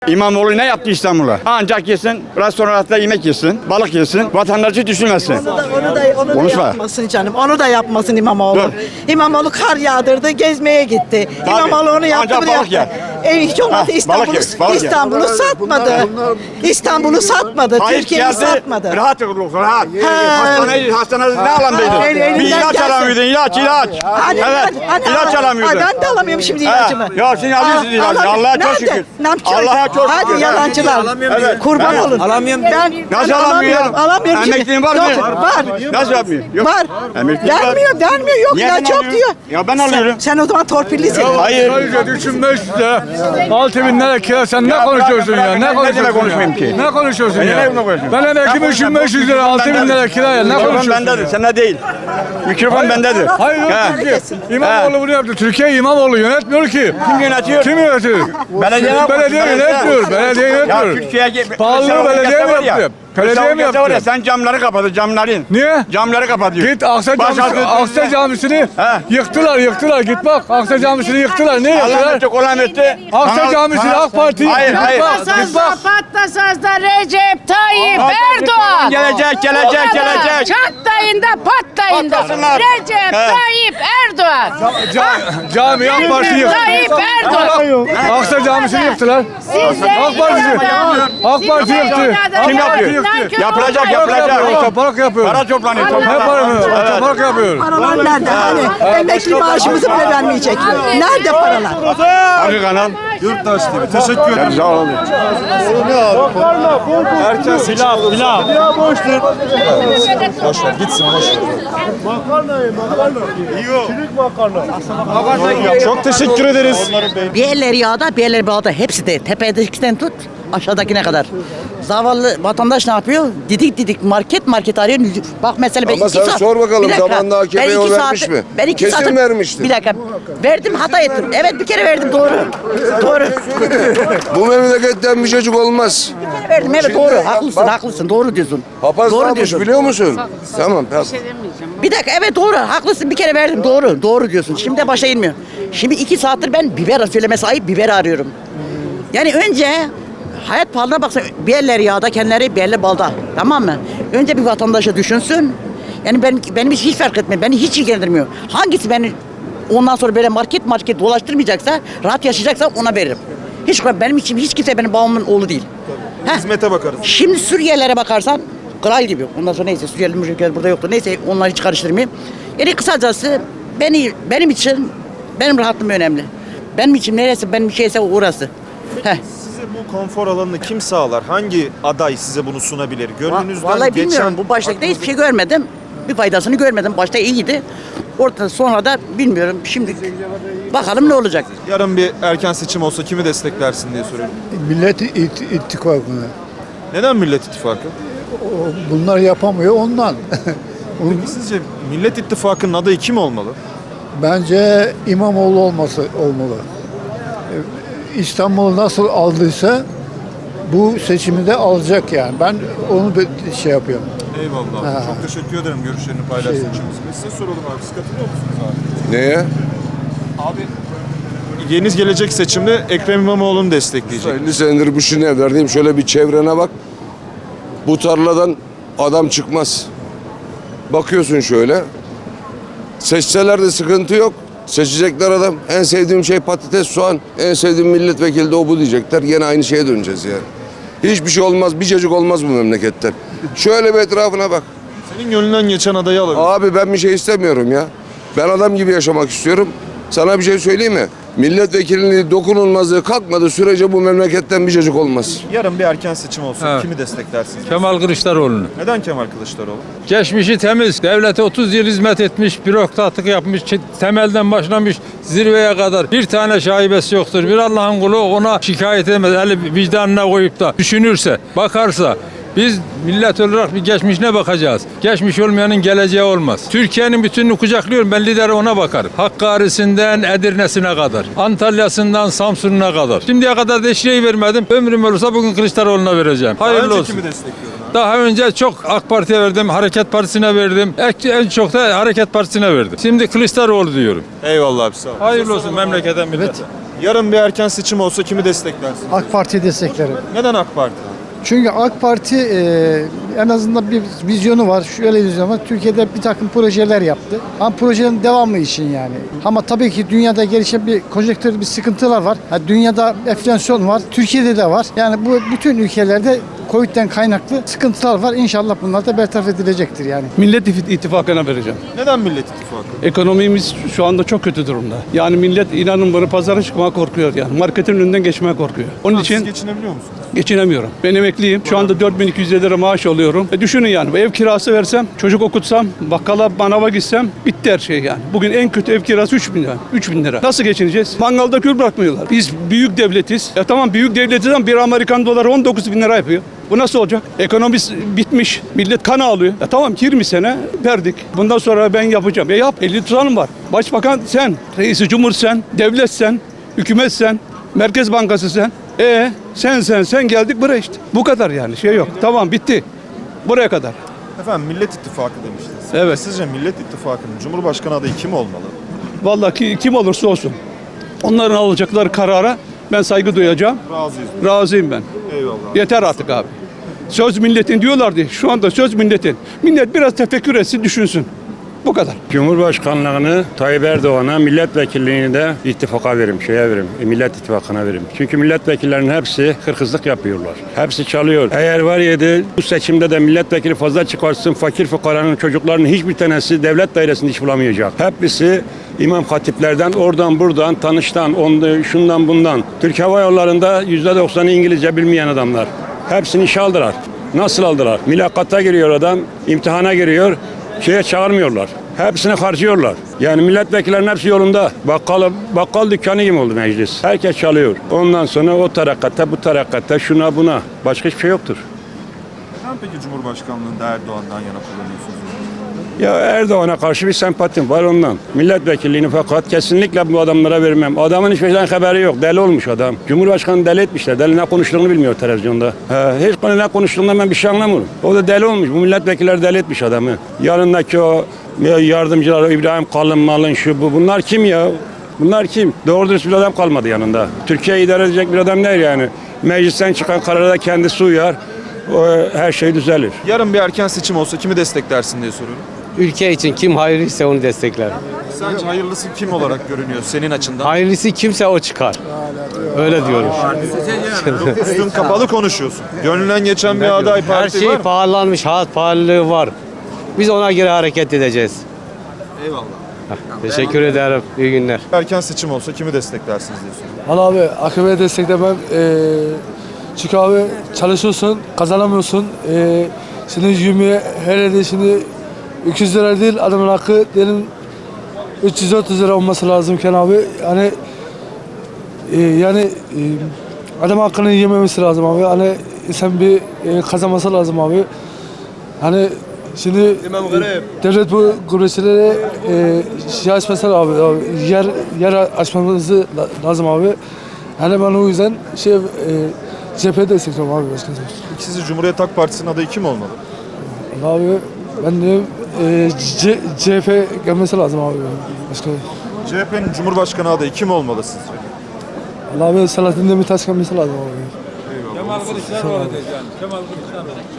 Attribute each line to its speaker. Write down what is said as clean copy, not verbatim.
Speaker 1: İmamoğlu ne yaptı İstanbul'a? Ancak yesin, restoranlarda yemek yesin, balık yesin, vatandaşı düşünmesin.
Speaker 2: Onu da
Speaker 1: Konuşma.
Speaker 2: yapmasın canım. Onu da yapmasın İmamoğlu.
Speaker 1: Dur.
Speaker 2: İmamoğlu kar yağdırdı, gezmeye gitti.
Speaker 1: Tabii.
Speaker 2: İmamoğlu onu yaptı,
Speaker 1: Ancak
Speaker 2: bunu
Speaker 1: balık
Speaker 2: yaptı.
Speaker 1: yer.
Speaker 2: Hiç olmazsa
Speaker 1: balık
Speaker 2: İstanbul'u
Speaker 1: yer, balık yer.
Speaker 2: İstanbul'u satmadı. İstanbul'u satmadı.
Speaker 1: Tayyip
Speaker 2: Türkiye'yi
Speaker 1: geldi,
Speaker 2: satmadı.
Speaker 1: rahat olun, rahat.
Speaker 2: Ha.
Speaker 1: Hastanede ne alamdaydın?
Speaker 2: elinden
Speaker 1: Bir ilaç
Speaker 2: gelsin.
Speaker 1: alamıyordun, ilaç. Evet, ilaç alamıyordun.
Speaker 2: Ben de alamıyorum şimdi
Speaker 1: Ha,
Speaker 2: ilacımı.
Speaker 1: ya şimdi alıyorsun ilacı, Allah'a çok şükür. Allah'a çok şükür.
Speaker 2: Hadi yalancılar.
Speaker 1: Evet.
Speaker 2: Kurban olun.
Speaker 3: Alamıyorum.
Speaker 1: Nasıl alamıyor?
Speaker 2: Alamıyorum şimdi.
Speaker 1: Emekliğin var mı?
Speaker 2: Var.
Speaker 1: Nasıl yapmıyor? Yok.
Speaker 2: Var.
Speaker 1: Emeklilik var.
Speaker 2: Vermiyor. Yok
Speaker 1: Niye
Speaker 2: ilaç
Speaker 1: ben
Speaker 2: yok
Speaker 1: alıyorum?
Speaker 2: diyor.
Speaker 1: Ya ben alıyorum.
Speaker 2: Sen o zaman torpillisin.
Speaker 1: Hayır.
Speaker 3: 3500 lira, 6000 lira kira, sen ne
Speaker 1: Ya
Speaker 3: konuşuyorsun
Speaker 1: bırak,
Speaker 3: ya?
Speaker 1: ne
Speaker 3: Ne konuşuyorsun
Speaker 1: demek konuşmayayım ki?
Speaker 3: Ne konuşuyorsun
Speaker 1: Ben
Speaker 3: ya?
Speaker 1: ne konuşuyorum?
Speaker 3: Ben emekliyim 3500 lira, 6000 lira kiraya. Ne
Speaker 1: Mikrofon
Speaker 3: konuşuyorsun?
Speaker 1: bendedir, sende değil. Mikrofon bendedir.
Speaker 3: Hayır yok
Speaker 1: Ha.
Speaker 3: Türkiye. İmamoğlu bunu yaptı. Türkiye İmamoğlu yönetmiyor ki.
Speaker 1: Kim yönetiyor?
Speaker 3: Kim yönetiyor? Belediye yönetmiyor. Belediye
Speaker 1: Ya
Speaker 3: yönetmiyor.
Speaker 1: Türkiye'ye...
Speaker 3: Pahalılığı
Speaker 1: Mesela
Speaker 3: belediye
Speaker 1: o
Speaker 3: mi
Speaker 1: gazete var ya,
Speaker 3: yaptı? Belediye
Speaker 1: mesela o
Speaker 3: mi
Speaker 1: gazete var ya,
Speaker 3: yaptı?
Speaker 1: sen camları kapatır, camların.
Speaker 3: Niye?
Speaker 1: Camları kapatıyor.
Speaker 3: Git Aksa Camisi'ni
Speaker 1: He.
Speaker 3: yıktılar. Git bak Aksa Camisi'ni yıktılar. Ne
Speaker 1: Allah
Speaker 3: yıktılar?
Speaker 1: etti, kolan etti.
Speaker 3: Aksa Camisi'ni AK Parti
Speaker 1: Hayır,
Speaker 3: yıktı.
Speaker 1: hayır.
Speaker 3: Git bak.
Speaker 4: Patlasaz da Recep Tayyip Erdoğan.
Speaker 1: Gelecek.
Speaker 4: Çatlayın da patlayın da.
Speaker 1: Patlasınlar.
Speaker 4: Recep
Speaker 1: He.
Speaker 4: Tayyip Erdoğan.
Speaker 3: Cami AK Parti yıktı.
Speaker 4: Tayyip Erdoğan.
Speaker 3: Aksa Camisi'ni yıktılar. AK Parti yıktı.
Speaker 1: Kim yapıyor? Yapılacak.
Speaker 3: Otopark yapıyor.
Speaker 1: Para toplanıyor.
Speaker 3: Ne para mı? Otopark yapıyor.
Speaker 2: Paralar nerede? Hani emekli maaşımızı bile vermeyecek. Nerede paralar?
Speaker 1: Hangi kanal?
Speaker 5: Yurttaş TV. Teşekkür ederim.
Speaker 1: Sağ olun.
Speaker 5: Erken silah. Boş ver gitsin boş ver. Çok teşekkür ederiz.
Speaker 6: Bir eller yağda, bir eller bağda. Hepsi de tepedekinden tut aşağıdakine kadar. Zavallı vatandaş ne yapıyor? Didik market arıyor. Bak mesela ben
Speaker 7: Ama
Speaker 6: 2
Speaker 7: sen
Speaker 6: saat.
Speaker 7: sor bakalım,
Speaker 6: Bir dakika,
Speaker 7: zamanında AKP'ye
Speaker 6: ben
Speaker 7: o
Speaker 6: 2
Speaker 7: vermiş mi?
Speaker 6: Ben 2
Speaker 7: Kesin
Speaker 6: saat.
Speaker 7: vermiştir.
Speaker 6: Bir dakika. Verdim hata ettim. Evet bir kere verdim doğru.
Speaker 7: Bu memleketten bir çocuk olmaz.
Speaker 6: Verdim evet doğru. Haklısın doğru diyorsun.
Speaker 7: Papaz ne
Speaker 6: Doğru
Speaker 7: yapmış
Speaker 6: diyorsun.
Speaker 7: biliyor musun? Tamam.
Speaker 6: Bir dakika evet doğru haklısın bir kere verdim doğru diyorsun. Şimdi de başa inmiyor. Şimdi 2 saattir ben biber söylemesi ayıp biber arıyorum. Yani önce hayat pahalılığına baksa bir eller yağda kendileri bir eller balda tamam mı? Önce bir vatandaşa düşünsün. Yani benim hiç fark etmiyor. Beni hiç ilgilendirmiyor. Hangisi beni ondan sonra böyle market dolaştırmayacaksa rahat yaşayacaksa ona veririm. Benim için hiç kimse benim babamın oğlu değil. Heh.
Speaker 5: Hizmete bakarız.
Speaker 6: Şimdi Suriyelilere bakarsan kral gibi. Ondan sonra neyse Suriyeli burada yoktu. Neyse onları hiç karıştırmayayım. Yani kısacası benim için benim rahatlığım önemli. Benim için neresi benim şeyse orası. Heh.
Speaker 5: Size bu konfor alanını kim sağlar? Hangi aday size bunu sunabilir? Gönlünüzden
Speaker 6: Vallahi bilmiyorum.
Speaker 5: geçen
Speaker 6: Bu baştakta hiçbir şey görmedim. Bir faydasını görmedim. Başta iyiydi. Orada sonra da bilmiyorum. Şimdi bakalım ne olacak.
Speaker 5: yarın bir erken seçim olsa kimi desteklersin diye soruyorum.
Speaker 8: Millet İttifakı'na.
Speaker 5: Neden Millet İttifakı?
Speaker 8: Bunlar yapamıyor ondan.
Speaker 5: Peki sizce Millet İttifakı'nın adayı kim olmalı?
Speaker 8: Bence İmamoğlu olmalı. İstanbul'u nasıl aldıysa bu seçimi de alacak yani. Ben onu şey yapıyorum.
Speaker 5: Eyvallah.
Speaker 8: Ha.
Speaker 5: Çok teşekkür ederim görüşlerini paylaştığın için. Size soralım abi. Siz katılıyor musunuz abi?
Speaker 7: Neye?
Speaker 5: Abi yeni gelecek seçimde Ekrem İmamoğlu'nu destekleyecek.
Speaker 7: 50 senedir bu şimdi evlerdeyim. Şöyle bir çevrene bak. Bu tarladan adam çıkmaz. Bakıyorsun şöyle. Seçseler de sıkıntı yok. Seçecekler adam. En sevdiğim şey patates, soğan. En sevdiğim milletvekili de o bu diyecekler. Yine aynı şeye döneceğiz yani. Hiçbir şey olmaz. Bir cacık olmaz bu memleketten. Şöyle bir etrafına bak.
Speaker 5: Senin gönlünden geçen adayı alabilir.
Speaker 7: Abi ben bir şey istemiyorum ya. Ben adam gibi yaşamak istiyorum. Sana bir şey söyleyeyim mi? Milletvekilliği dokunulmazlığı kalkmadığı sürece bu memleketten bir cacık olmaz.
Speaker 5: Yarın bir erken seçim olsa
Speaker 3: Evet.
Speaker 5: kimi desteklersiniz?
Speaker 3: Kemal Kılıçdaroğlu'nu.
Speaker 5: Neden Kemal Kılıçdaroğlu?
Speaker 3: Geçmişi temiz. Devlete 30 yıl hizmet etmiş, bürokratlık yapmış, temelden başlamış zirveye kadar. Bir tane şaibesi yoktur. Bir Allah'ın kulu ona şikayet edemez. Eli vicdanına koyup da düşünürse, bakarsa. Biz millet olarak bir geçmişine bakacağız. Geçmiş olmayanın geleceği olmaz. Türkiye'nin bütününü kucaklıyorum. Ben lideri ona bakarım. Hakkari'sinden Edirne'sine kadar. Antalya'sından Samsun'una kadar. Şimdiye kadar da hiç şey vermedim. Ömrüm olursa bugün Kılıçdaroğlu'na vereceğim. Hayırlı
Speaker 5: Daha önce
Speaker 3: olsun.
Speaker 5: kimi destekliyorum abi?
Speaker 3: Daha önce çok AK Parti'ye verdim, Hareket Partisi'ne verdim. En çok da Hareket Partisi'ne verdim. Şimdi Kılıçdaroğlu diyorum.
Speaker 5: Eyvallah abi sağ ol.
Speaker 3: Hayırlı olsun memlekete millete.
Speaker 5: Yarın bir erken seçim olsa kimi desteklersin?
Speaker 8: AK Parti'yi desteklerim.
Speaker 5: Neden AK Parti?
Speaker 8: Çünkü AK Parti en azından bir vizyonu var. Şöyle bir vizyon var. Türkiye'de bir takım projeler yaptı. Ama projelerin devamı için yani. Ama tabii ki dünyada gelişen bir konjonktür, bir sıkıntılar var. Dünyada enflasyon var. Türkiye'de de var. Yani bu bütün ülkelerde Covid'den kaynaklı sıkıntılar var. İnşallah bunlar da bertaraf edilecektir yani.
Speaker 9: Millet İttifakı'na vereceğim.
Speaker 5: Neden Millet İttifakı?
Speaker 9: Ekonomimiz şu anda çok kötü durumda. Yani millet inanın bana pazara çıkmaya korkuyor yani. Marketin önünden geçmeye korkuyor. Onun
Speaker 5: Siz
Speaker 9: için
Speaker 5: geçinebiliyor musunuz?
Speaker 9: geçinemiyorum. Ben emekliyim. Şu anda 4250 lira maaş alıyorum. Düşünün yani ev kirası versem, çocuk okutsam, bakkala, manava gitsem bitti her şey yani. Bugün en kötü ev kirası 3000 lira. 3000 lira. Nasıl geçineceğiz? Mangalda kül bırakmıyorlar. Biz büyük devletiz. Tamam büyük devletiz ama bir Amerikan doları 19.000 lira yapıyor. Bu nasıl olacak? Ekonomi bitmiş. Millet kan ağlıyor. Tamam 20 sene verdik. Bundan sonra ben yapacağım. Yap. 50 tutanım var. Başbakan sen, reisi cumhur sen, devlet sen, hükümet sen, Merkez Bankası sen. Sen geldik buraya işte. Bu kadar yani şey yok. Tamam bitti. Buraya kadar.
Speaker 5: Efendim Millet İttifakı demiştiniz.
Speaker 9: Evet.
Speaker 5: Sizce Millet İttifakı'nın Cumhurbaşkanı adayı kim olmalı?
Speaker 9: Vallahi kim olursa olsun. Onların alacakları karara ben saygı duyacağım.
Speaker 5: Razıyız.
Speaker 9: Razıyım ben.
Speaker 5: Eyvallah.
Speaker 9: Yeter artık abi. Söz milletin diyorlardı. Şu anda söz milletin. Millet biraz tefekkür etsin, düşünsün. Bu kadar.
Speaker 10: Cumhurbaşkanlığını Tayyip Erdoğan'a, milletvekilliğini de ittifaka veririm, Millet İttifakı'na veririm. Çünkü milletvekillerinin hepsi hırkızlık yapıyorlar. Hepsi çalıyor. Eğer var yedi bu seçimde de milletvekili fazla çıkarsın, fakir fukaranın çocuklarının hiçbir tanesi devlet dairesinde iş bulamayacak. Hepsi İmam hatiplerden, oradan buradan, tanıştan, şundan bundan. Türk Hava Yolları'nda %90'ı İngilizce bilmeyen adamlar. Hepsini işe aldılar. Nasıl aldılar? Mülakata giriyor adam, imtihana giriyor. Çağırmıyorlar. Hepsini harcıyorlar. Yani milletvekillerinin hepsi yolunda. Bakkal dükkanı gibi oldu meclis. Herkes çalıyor. Ondan sonra o tarakatta, bu tarakatta, şuna buna. Başka hiçbir şey yoktur.
Speaker 5: Neden peki Cumhurbaşkanlığında Erdoğan'dan yana kullanıyorsunuz?
Speaker 10: Ya Erdoğan'a karşı bir sempatim var ondan. Milletvekilliğini fakat kesinlikle bu adamlara vermem. Adamın hiçbir şeyden haberi yok. Deli olmuş adam. Cumhurbaşkanı deli etmişler. Deli ne konuştuğunu bilmiyor televizyonda. Hiç konu ne konuştuğundan ben bir şey anlamıyorum. O da deli olmuş. Bu milletvekilleri deli etmiş adamı. Yanındaki o yardımcılar İbrahim Kalınmalın şu bu. Bunlar kim ya? Bunlar kim? Doğru dürüst bir adam kalmadı yanında. Türkiye'yi idare edecek bir adam değil yani. Meclisten çıkan karara kendisi uyar. Her şey düzelir.
Speaker 5: Yarın bir erken seçim olsa kimi desteklersin diye soruyorum.
Speaker 11: Ülke için kim hayırlıysa onu destekler.
Speaker 5: Sence hayırlısı kim olarak görünüyor senin açından?
Speaker 11: Hayırlısı kimse o çıkar. Öyle diyorum.
Speaker 5: Üstün kapalı konuşuyorsun. Gönlünden geçen bir aday
Speaker 11: Her
Speaker 5: parti
Speaker 11: şey
Speaker 5: var mı?
Speaker 11: pahalanmış, hayat pahalılığı var. Biz ona göre hareket edeceğiz.
Speaker 5: Eyvallah.
Speaker 11: Teşekkür ederim. İyi günler.
Speaker 5: Erken seçim olsa kimi desteklersiniz diye soruyorum.
Speaker 12: Valla abi AKP'ye desteklemem. Çünkü abi çalışıyorsun, kazanamıyorsun. Şimdi 20 hele de şimdi 200 lira değil adamın hakkı diyelim 330 lira olması lazımken abi yani adam hakkını yememesi lazım abi. Hani insan bir kazanması lazım abi. Hani şimdi devlet bu gurbetçilere şey açması abi, yer açmamızı lazım abi. Hani ben o yüzden CHP'ye destekliyorum abi başkanım.
Speaker 5: Sizce Cumhuriyet Halk Partisi'nin adayı kim olmalı?
Speaker 12: Abi ben diyorum CHP gelmesi lazım abi başkanım.
Speaker 5: CHP'nin Cumhurbaşkanı adayı kim olmalı sizce?
Speaker 12: Allah abi Selahattin Demirtaş gelmesi lazım abi.
Speaker 5: Eyvallah.
Speaker 3: Kemal Kılıçdaroğlu diyeceğim. Kemal Kılıçdaroğlu.